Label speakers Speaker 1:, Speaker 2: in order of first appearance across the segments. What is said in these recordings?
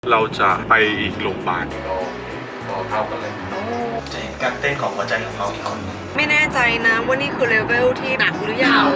Speaker 1: เราจะไปอีกโรงพยาบาล
Speaker 2: ก็เข้ากันเลยจะเห็นการเต้นของหัวใจของเขาอีกคนนึง
Speaker 3: ไม่แน่ใจนะว่านี่คือเลเวลที่หนักหรือยัง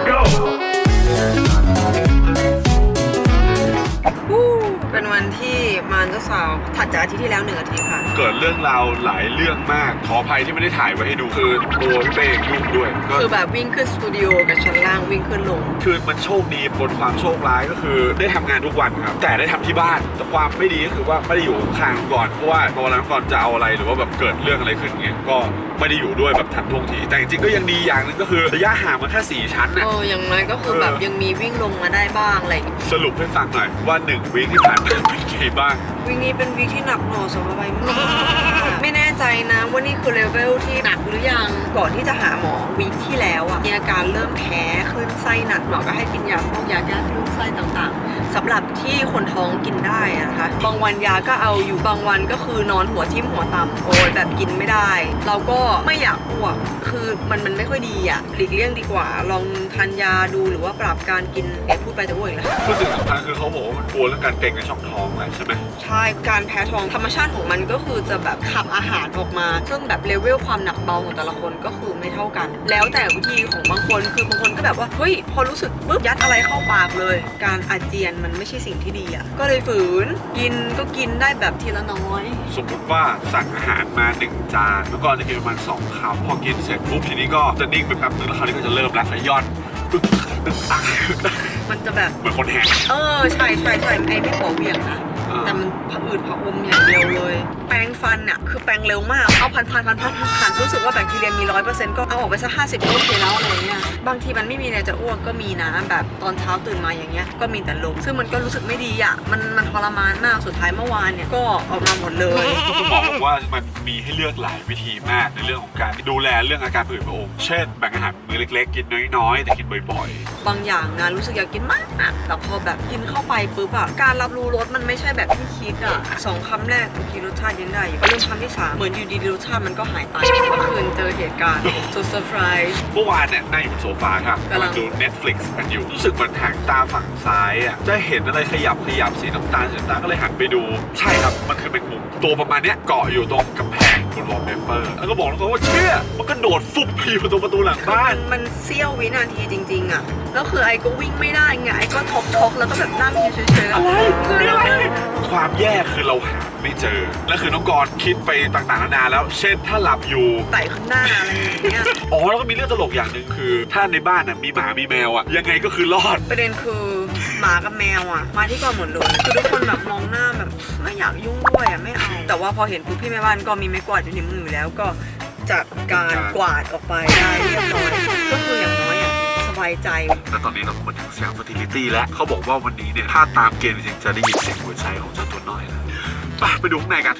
Speaker 3: เป็นวันที่มารเจ้าสาวถัดจากอาทิตย์ที่แล้ว1 อาทิตย์ค่ะ
Speaker 1: เกิดเรื่องราวหลายเรื่องมากขออภัยที่ไม่ได้ถ่ายไว้ให้ดูคือตัวพี่เป้ยุ่งด้วยก็
Speaker 3: คือแบบวิ่งขึ้นสตูดิโอกับชั้นล่างวิ่งขึ้นลง
Speaker 1: คือมันโชคดีบนความโชคร้ายก็คือได้ทำงานทุกวันครับแต่ได้ทำที่บ้านแต่ความไม่ดีก็คือว่าไม่ได้อยู่ข้างก่อนเพราะว่าพอวันนั้นก่อนจะเอาอะไรหรือว่าแบบเกิดเรื่องอะไรขึ้นเงี้ยก็ไม่ได้อยู่ด้วยแบบทันท่วงทีแต่จริงๆก็ยังดีอย่างนึงก็คือระยะห่างมันแค่4 ชั้นนะ
Speaker 3: อย่างน้อยก็คือแบบยังมีวิ่งลงมาได้บ้างอะไรอย่างเงี้ย
Speaker 1: สรุปให้ฟังหน่อยว่า1 วีคที่ผ่านมาเป็นไงบ้าง
Speaker 3: วีคนี้เป็นวีคที่หนักหน่วงสำหรับใบมากไม่แน่ใจนะว่านี่คือเลเวลที่หนักหรือยังก่อนที่จะหาหมอวีคที่แล้วอ่ะมีอาการเริ่มแพ้คลื่นไส้หนักหมอก็ให้กินยาพวกยาแก้คลื่นไส้ต่างๆสำหรับที่คนท้องกินได้นะคะบางวันยาก็เอาอยู่บางวันก็คือนอนหัวทิ่มหัวต่ำโอ้ยแบบกินไม่ได้ เราก็ไม่อยากอ้วกคือมันไม่ค่อยดีอ่ะหลีกเลี่ยงดีกว่าลองทานยาดูหรือว่าปรับการกินพูดไปแต่อ้วกอีกแล้ว
Speaker 1: รู้สึกสำคัญคือเขาบอกว่ามันกลัวเรื่องการเกร็งในช่องท้องอะไรใช่ไหม
Speaker 3: ใช่การแพ้ท้องธรรมชาติของมันก็คือจะแบบขับอาหารออกมาซึ่งแบบเลเวลความหนักเบาของแต่ละคนก็คือไม่เท่ากัน แล้วแต่วิธีของบางคนคือบางคนก็แบบว่าเฮ้ยพอรู้สึกปุ๊บยัดอะไรเข้าปากเลย การอาเจียนมันไม่ใช่สิ่งที่ดีอ่ะก็เลยฝืนกินก็กินได้แบบทีละน้อย
Speaker 1: สมมติว่าสั่งอาหารมา1 จานแล้วก็จะกินประมาณ2 คำพอกินเสร็จปุ๊บทีนี้ก็จะนิ่งไปแป๊บนึงแล้วคราวนี้ก็จะเริ่มแล้วขย้อนตึ๊กตึ๊กตัก
Speaker 3: มันจะแบบ
Speaker 1: เหมือนคนแหก
Speaker 3: ใช่ไอ้ไม่หัวเหวี่ยงนะแต่มันผะอืดผะอมอย่างเดียวเลย แปรงฟันเนี่ยคือแปรงเร็วมากเอาพันรู้สึกว่าแบคทีเรียมี100%ก็เอาออกไปสัก50ก็โอเคแล้วอะไรเงี้ยบางทีมันไม่มีอะไรจะอ้วกก็มีนะแบบตอนเช้าตื่นมาอย่างเงี้ยก็มีแต่ลมซึ่งมันก็รู้สึกไม่ดีอ่ะมันทรมานมากสุดท้ายเมื่อวานเนี่ยก็ออกมาหมดเลย
Speaker 1: คุณหมอบอกว่ามันมีให้เลือกหลายวิธีมากในเรื่องของการดูแลเรื่องอาการผื่นพระองค์เช่นแบ่งอาหารมื้อเล็กๆกินน้อยๆแต่กินบ่อยๆ
Speaker 3: บางอย่างนะรู้สึกอยากกินมากแต่พอแบบกินเข้าไปปุ๊บอะการรับรู้รสมันไม่ใช่แบบที่คิดอะ2 คำแรกบางทีรสชาติยังได้อยู่พอเริ่มคำที่3เหมือนอยู่ดีๆรสชาติมันก็หายไปเมื่อคืนเจอเหตุการณ์สุดเซอร์ไพรส์
Speaker 1: เมื่อวานเนี่ยนั่งอยู่บนโซฟาครับ
Speaker 3: กำลัง
Speaker 1: ดู Netflix กันอยู่รู้สึกเหมือนหางตาฝั่งซ้ายอ่ะจะเห็นอะไรขยับสีน้ำตาลก็เลยหันไปดูใช่ครับมันคือเป็นมุมตัวประมาณเนี้ยเกาะอยู่ตรงกำแพงบนวอลเปเปอร์แล้วก็บอกแล้วว่าเชี่ยมันก็โดดฟุบไปอยู่ตรงประตูหลังบ้าน
Speaker 3: มันเสี้ยววินาทีจริงๆอะแล้วคือไอ้ก็วิ่งไม่ได้ไงไอ้ก็ท็อกแล้วก็แบบนั่งอยู่เฉยๆอะไรคืออะไร
Speaker 1: ความแย่คือเราหาไม่เจอและคือน้องกรณ์คิดไปต่างๆนานาแล้ว เช่นถ้าหลับอยู่
Speaker 3: ไต่ขึ้นหน้าอะไรอย่างเงี้ย
Speaker 1: อ๋อแล้วก็มีเรื่องตลกอย่างหนึ่งคือ ถ้าในบ้านน่ะมีหมามีแมวอ่ะยังไงก็คือรอด
Speaker 3: ประเด็นคือหมากับแมวอ่ะมาที่ก่อนหมดเลยคือทุกคนแบบมองหน้าแบบไม่อยากยุ่งด้วยอ่ะไม่เอาแต่ว่าพอเห็นปุ๊บพี่แม่บ้านก็มีไม้กวาดอยู่ในมือแล้วก็จัดการกวาดออกไปได้เรียบร้อยก็คืออย่างน้อยอ่ะสบายใจ
Speaker 1: และตอนนี้เรามาถึงเสียง fertility แล้วเขาบอกว่าวันนี้เนี่ยถ้าตามเกณฑ์จริงๆจะได้ยินเสียงหัวใจของเจ้าตัวน้อยนะไปดูข้างในกัน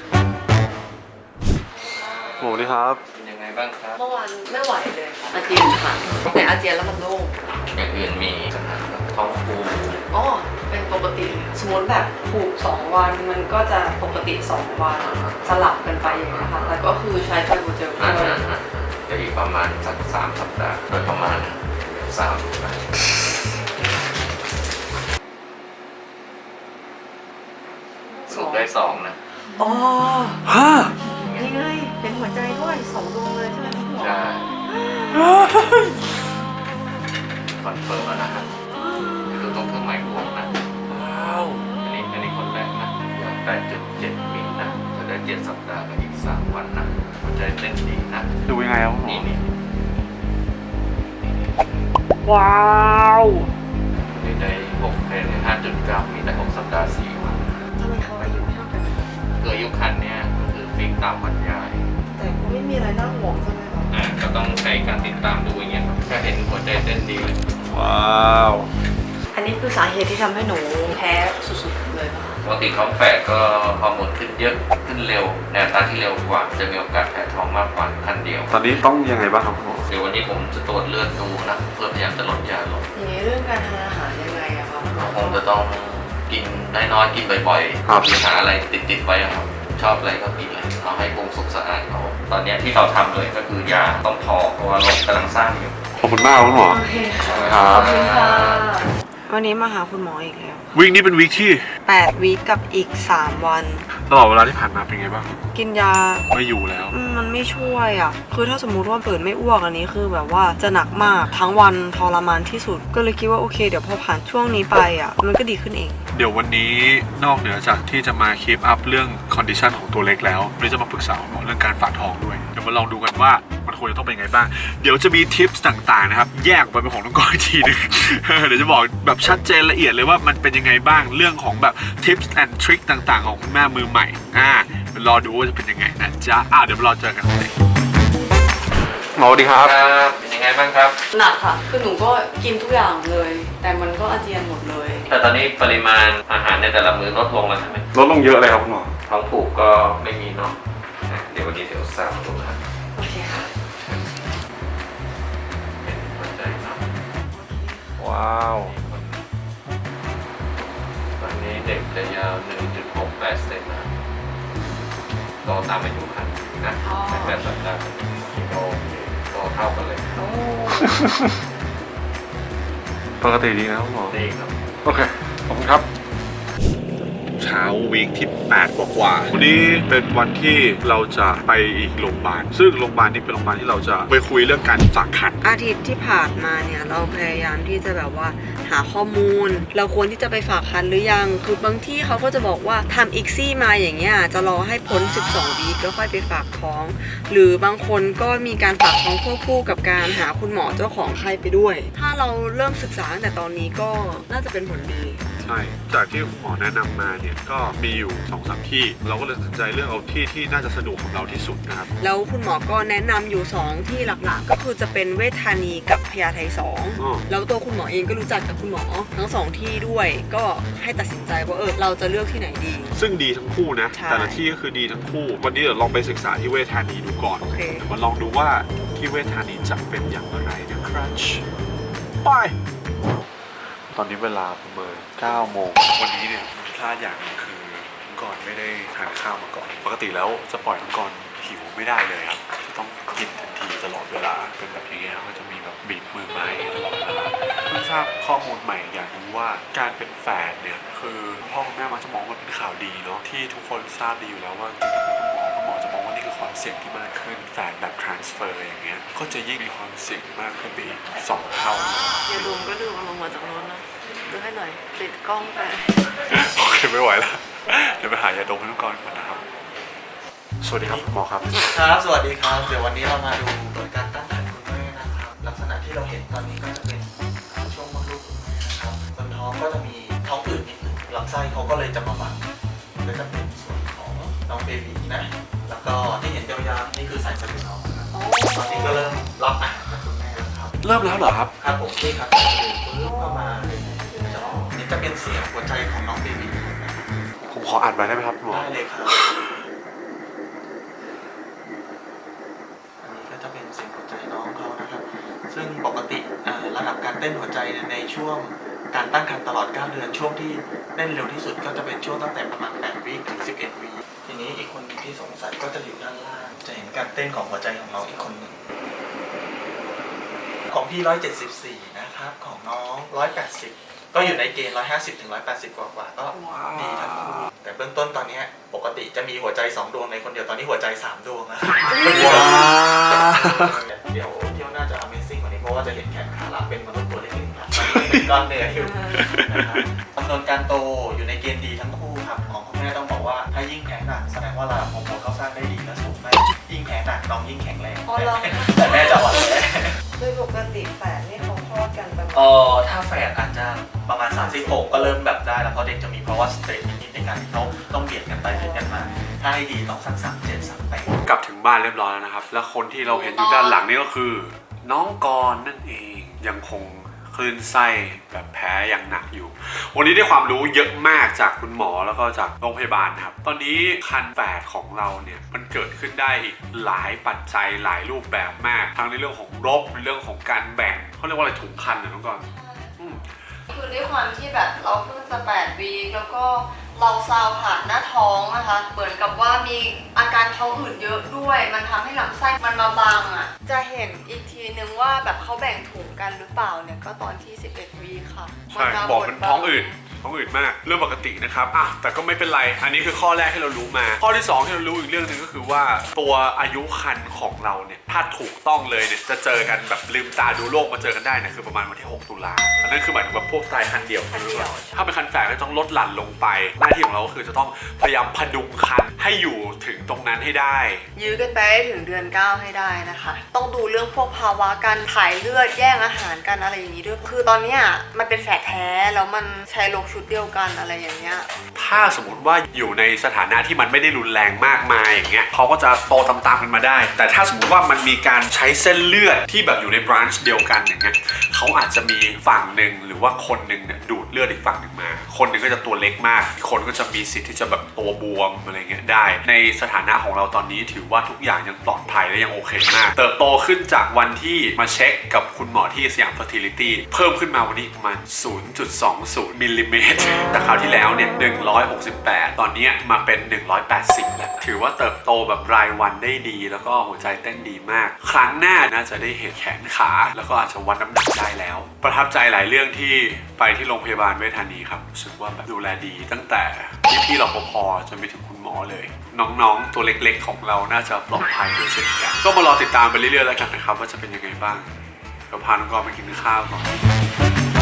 Speaker 1: โหนี่ครับ
Speaker 2: เป็นยังไงบ้างครับ
Speaker 3: เมื่อวานไม่ไหวเลยอาเจียนค่ะแต่อาเจียนแล้วมันโล่ง
Speaker 2: อย่างอื่นมีปัญหากับท้องผูก
Speaker 3: อ๋อเป็นปกติสมมติแบบผูก2 วันมันก็จะปกติ2 วันสลับกันไปอย่างเงี้ยค่ะแต่ก็คือใช้ไฟบูเจล
Speaker 2: อ่า
Speaker 3: ด้วย
Speaker 2: จะอีกประมาณสัก3 สัปดาห์โดยประมาณ3 สัปดาห์สรุปได้2นะ
Speaker 3: อ๋อ
Speaker 1: ฮะ
Speaker 3: นี่ไงเป็นหัวใจด้วย2 ดวงเลยใช่ไหมพี่หมอ
Speaker 2: ใช่คอนเฟิร์มแล้วนะครับคือต้องเครื่องหมายบวกนะ
Speaker 1: ว้าว
Speaker 2: อันนี้คนแรกนะอยากได้7 มิลนะจะได้7 สัปดาห์กับอีก3 วันนะหัวใจเต้นดีนะ
Speaker 1: ดูยังไงครับคุณหมอ
Speaker 2: นี่
Speaker 1: ว้าว
Speaker 2: นี่ได้6เพลง5.9 มีได้6 สัปดาห์4 วัน
Speaker 3: ทำไมเขาอายุเท่ากัน
Speaker 2: คืออายุคันเนี่ยก็คือฟิกตามบรรยาย
Speaker 3: แต่เขาไม่มีอะไรน่าห่วงใช่ไหมคะ
Speaker 2: ก็ต้องใช้การติดตามดูอย่างเงี้ยครับถ้าเห็นหัวใจเต้นดีเลย
Speaker 1: ว้าว
Speaker 3: อันนี้คือสาเหตุที่ทำให้หนูแพ้สุดๆเลยป่ะ
Speaker 2: ปกติท้องแฝดก็ฮอร์โมนขึ้นเยอะขึ้นเร็วในอัตราที่เร็วกว่าจะมีโอกาสแพ้ท้องมากกว่าคันเดียว
Speaker 1: ตอนนี้ต้องยังไงบ้างครับคุณหมอ
Speaker 2: เดี๋ยววันนี้ผมจะตรวจเลือดดูนะเพื่อพยายามจะลดยาลง
Speaker 3: อย่างนี้เรื่องการทานอาหารยังไงอะคะ
Speaker 2: คงจะต้องกินน้อยๆกินบ่อยๆหาอะไรติดๆไว้ครับชอบอะไรก็กินเลยเอาให้ปรุงสุกสะอาดเขาตอนนี้ที่เราทำเลยก็คือยาต้องทอเพราะว่าโรคกำลังสร้างอยู่
Speaker 1: ขอบคุณมากคุณหมอ
Speaker 3: โอเคค่ะ
Speaker 1: ครับ
Speaker 3: ขอบคุณค่ะวันนี้มาหาคุณหมออีกแล้ว
Speaker 1: วีคนี้เป็นวีคที่
Speaker 3: 8 วีคกับอีก 3 วัน
Speaker 1: ตลอดเวลาที่ผ่านมาเป็นไงบ้าง
Speaker 3: กินยา
Speaker 1: ไม่อยู่แล้ว
Speaker 3: มันไม่ช่วยอ่ะ คือถ้าสมมุติว่าเปิดไม่อ้วกอันนี้คือแบบว่าจะหนักมากทั้งวันทรมานที่สุด ก็เลยคิดว่าโอเคเดี๋ยวพอผ่านช่วงนี้ไปอ่ะมันก็ดีขึ้นเอง
Speaker 1: เดี๋ยววันนี้นอกเหนือจากที่จะมาคีปอัพเรื่องคอนดิชันของตัวเล็กแล้วเราจะมาปรึกษาหมอเรื่องการฝากท้องด้วย เดี๋ยวมาลองดูกันว่ามันควรจะต้องเป็นไงบ้าง เดี๋ยวจะมีทิปส์ต่างๆนะครับแยกไปเป็นของน้องกอยทีนึง เดี๋ยวจะบอกแบบชัดเจนละเอียดเลยว่ามันเป็นยังไงบ้างเรื่องของแบบทิปส์แอนด์ทริคต่างๆของคุณแม่มือใหม่รอดูว่าจะเป็นยังไงนะจ๊ะเดี๋ยวรอเจอกันเลยหมอสวัสดีครับ
Speaker 2: ครับเป็นยังไงบ้างครับ
Speaker 3: หนักค่ะ คือหนูก็กินทุกอย่างเลย แต่มันก็อาเจียนหมดเลย
Speaker 2: แต่ตอนนี้ปริมาณอาหารในแต่ละมื้อลดลงแล้วใช่ไหม
Speaker 1: ลดลงเยอะเลยครับคุณหมอ
Speaker 2: ท้องผูกก็ไม่มีเนาะเดี๋ยววันนี้เดี๋ยวสาวดูครับ
Speaker 3: โอเคค่ะ
Speaker 2: เป็นหัวใจเนาะ
Speaker 1: ว้าว
Speaker 2: ตอนนี้เด็กจะยาว 1.68 เซนนะโตตามอายุคันนะแต่สัปดาห์กิโลโตเท่ากันเลย
Speaker 3: โอ้
Speaker 1: ปกติดีนะคุณหมอ
Speaker 2: ดีครับ
Speaker 1: โอเค ขอบคุณครับ เช้าวีคที่8กว่าๆวันนี้เป็นวันที่เราจะไปอีกโรงพยาบาลซึ่งโรงพยาบาลนี้เป็นโรงพยาบาลที่เราจะไปคุยเรื่องการฝากคัน
Speaker 3: อาทิตย์ที่ผ่านมาเนี่ยเราพยายามที่จะแบบว่าหาข้อมูล เราควรที่จะไปฝากคันหรือยัง คือบางที่เขาก็จะบอกว่าทำอีกซี่มาอย่างเงี้ยจะรอให้พ้น 12 วีคแล้วค่อยไปฝากท้อง หรือบางคนก็มีการฝากท้องควบคู่กับการหาคุณหมอเจ้าของไข้ไปด้วย ถ้าเราเริ่มศึกษาตั้งแต่ตอนนี้ก็น่าจะเป็นผลดี
Speaker 1: ใช่ จากที่หมอแนะนำมาเนี่ยก็มีอยู่ 2-3 ที่ เราก็เลยตัดสินใจเลือกเอาที่น่าจะสะดวกของเราที่สุดนะครับ
Speaker 3: แล้วคุณหมอก็แนะนำอยู่ 2 ที่หลักๆ ก็คือจะเป็นเวชธานีกับพญาไท2 แล้วตัวคุณหมอเองก็รู้จักกับคุณหมอทั้ง 2 ที่ด้วย ก็ให้ตัดสินใจว่าเราจะเลือกที่ไหนดี
Speaker 1: ซึ่งดีทั้งคู่นะ
Speaker 3: ใช่
Speaker 1: แต่ละที่ก็คือดีทั้งคู่ วันนี้เดี๋ยวลองไปศึกษาที่เวชธานีดูก่อน
Speaker 3: โอเค
Speaker 1: มาลองดูว่าที่เวชธานีจะเป็นอย่างไรนะครับไป ตอนนี้เวลาประมาณ9 โมง วันนี้เนี่ยมีพลาดอย่างหนึงคือน้องกรไม่ได้ทานข้าวมาก่อน ปกติแล้วจะปล่อยน้องกรหิวไม่ได้เลยครับ จะต้องกินทันทีตลอดเวลา เป็นแบบอย่างเงี้ยก็จะมีแบบบีบมือไม้ตลอดเวลาเพิ่งทราบข้อมูลใหม่อย่างนึงว่าการเป็นแฝดเนี่ยคือพ่อคุณแม่มักจะมองว่าเป็นข่าวดีเนาะที่ทุกคนทราบดีอยู่แล้วว่าจริงๆคุณหมอจะมองว่านี่คือความเสี่ยงที่มากขึ้นแฝดแบบ transfer อย่างเงี้ยก็จะยิ่งมีความเสี่ยงมากขึ้นไปอีก2 เท่า
Speaker 3: อย่าลืมก็ลืมเอาลงมาจากรถนะดูให้หน่อยติดกล้องไป
Speaker 1: โอเคไม่ไหวแล้ว เดี๋ยวไปหายาดมให้น้องกรก่อนนะครับ สวัสดีครับคุณหมอครับ
Speaker 4: ครับ สวัสดีครับ เดี๋ยววันนี้เรามาดูผลการตั้งครรภ์คุณแม่นะครับ ลักษณะที่เราเห็นตอนนี้ก็จะเป็นช่วงมดลูกคุณแม่นะครับบนท้องก็จะมีท้องอืดนิดหนึงลำไส้เขาก็เลยจะมาบังก็จะเป็นส่วนของน้องเบบีนะ แล้วก็ที่เห็นยาวๆนี่คือสายสะดือน้องนะครับตอนนี้ก็เริ่มรับอาหารจากคุณแม่แล้วครับ
Speaker 1: เริ่มแล้วเหรอครับ
Speaker 4: ครับผมนี่ครับสายสะดือปึ๊บเข้ามาจะออกนี่จะเป็นเสียงหัวใจของน้องเบบีนะครับ
Speaker 1: ผมขออ่านไปได้ไหมครับคุณหมอ
Speaker 4: ได้เลยครับ อันนี้ก็จะเป็นเสียงหัวใจน้องเขานะครับ ซึ่งปกติระดับการเต้นหัวใจในช่วงการตั้งครรภ์ตลอด 9 เดือนช่วงที่เต้นเร็วที่สุดก็จะเป็นช่วงตั้งแต่ประมาณ 8 วีคถึง 11 วีคทีนี้อีกคนที่สงสัยก็จะอยู่ด้านล่าง จะเห็นการเต้นของหัวใจของน้องอีกคนหนึ่ง ของพี่ 174 นะครับ ของน้อง 180 ก็อยู่ในเกณฑ์ 150 ถึง 180 กว่าๆก็ดีทั้งคู่ แต่เบื้องต้นตอนนี้ปกติจะมีหัวใจ 2 ดวงในคนเดียว ตอนนี้หัวใจ 3 ดวงแล้ว
Speaker 1: ว้าว
Speaker 4: เดี๋ยวเที่ยวน่าจะ Amazing กว่านี้เพราะว่าจะเห็นแขนขาหลังเป็นมนุษย์ตัวเล็กๆครับเป็นก้อนเนื้ออยู่นะครับจำนวนการโตอยู่ในเกณฑ์ดีทั้งคู่ครับของคุณแม่ต้องบอกว่าถ้ายิ่งแพ้หนักแสดงว่าระดับฮอร์โมนเขาสร้างได้ดีและสูงมากยิ่งแพ้หนักน้องยิ่งแข็งแรง
Speaker 3: อ๋อเหรอ
Speaker 4: แต่แม่จะอ่อนแอ
Speaker 3: โดยปกติแฝดนี่เขาคลอดกันประมาณ
Speaker 4: ถ้าแฝดอาจจะประมาณ36ก็เริ่มแบบได้แล้วเพราะเด็กจะมีภาวะสเตรสนิดๆในการที่เขาต้องเบียดกันไปเบียดกันมา ถ้าให้ดีต้องสัก37 38
Speaker 1: กลับถึงบ้านเรียบร้อยแล้วนะครับ แล้วคนที่เราเห็นอยู่ด้านหลังนี่ก็คือ น้องกรณ์นั่นเองยังคงคลื่นไส้แบบแพ้อย่างหนักอยู่ วันนี้ได้ความรู้เยอะมากจากคุณหมอแล้วก็จากโรงพยาบาลนะครับ ตอนนี้คันแฝดของเราเนี่ยมันเกิดขึ้นได้อีกหลายปัจจัยหลายรูปแบบมาก ทั้งในเรื่องของรกในเรื่องของการแบ่งเขาเรียกว่าอะไรถุงคันนะน้องกรณ์
Speaker 3: คือด้วยความที่แบบเราเพิ่งจะ8 วีคแล้วก็เราซาวผ่านหน้าท้องนะคะ เหมือนกับว่ามีอาการท้องอืดเยอะด้วย มันทำให้ลำไส้มันมาบังอ่ะ จะเห็นอีกทีนึงว่าแบบเขาแบ่งถุงกันหรือเปล่าเนี่ยก็ตอนที่ 11 วีค่ะ
Speaker 1: ใช่บอกเป็นท้องอืดมากเรื่องปกตินะครับแต่ก็ไม่เป็นไรอันนี้คือข้อแรกที่เรารู้มาข้อที่2ที่เรารู้อีกเรื่องหนึ่งก็คือว่าตัวอายุครรภ์ของเราเนี่ยถ้าถูกต้องเลยเนี่ยจะเจอกันแบบลืมตาดูโลกมาเจอกันได้เนี่ยคือประมาณวันที่6 ตุลาอันนั้นคือหมายถึงแบบพวกตายคันเดียวถ้าเป็นคันแฝดก็ต้องลดหลั่นลงไปหน้าที่ของเราก็คือจะต้องพยายามพดุงคันให้อยู่ถึงตรงนั้นให้ได้
Speaker 3: ยื้อกันไปถึงเดือน 9 ให้ได้นะคะ ต้องดูเรื่องพวกภาวะการถ่ายเลือดแย่งอาหารกันอะไรอย่างนี้ด้วยคือตอนเนี้ยมันเป็นแฝดแท้แล้วมันใช้โรคชุดเดียวกันอะไรอย่างเงี้ย
Speaker 1: ถ้าสมมติว่าอยู่ในสถานะที่มันไม่ได้รุนแรงมากมายอย่างเงี้ยเขาก็จะโตตามๆกันมาได้แต่ถ้าสมมติว่ามันมีการใช้เส้นเลือดที่แบบอยู่ในบรันช์เดียวกันอย่างเงี้ยเขาอาจจะมีฝั่งหนึ่งหรือว่าคนหนึ่งเนี่ยดูดเลือดอีกฝั่งหนึ่งมาคนหนึ่งก็จะตัวเล็กมากอีกคนก็จะมีสิทธิ์ที่จะแบบตัวบวมอะไรเงี้ยได้ในสถานะของเราตอนนี้ถือว่าทุกอย่างยังปลอดภัยและยังโอเคมากเติบโตขึ้นจากวันที่มาเช็คกับคุณหมอที่สยาม Fertility เพิ่มขึ้นมาวันนี้ประมาณ 0.20 มิลลิเมตรแต่คราวที่แล้วเนี่ย168ตอนนี้มาเป็น180แล้วถือว่าเติบโตแบบรายวันได้ดีแล้วก็หัวใจเต้นดีมากครั้งหน้าน่าจะได้เห็นแขนขาแล้วก็อาจจะวัดน้ำหนักได้แล้วประทับใจหลายเรื่องที่ไปที่โรงพยาบาลเวชธานีครับรู้สึกว่าแบบดูแลดีตั้งแต่พี่รปภจนไปถึงคุณหมอเลยน้องๆตัวเล็กๆของเราน่าจะปลอดภัยด้วยเช่นกันก็มารอติดตามไปเรื่อยๆแล้วกันนะครับว่าจะเป็นยังไงบ้างเดี๋ยวพาน้องกอล์ฟไปกินข้าวก่อน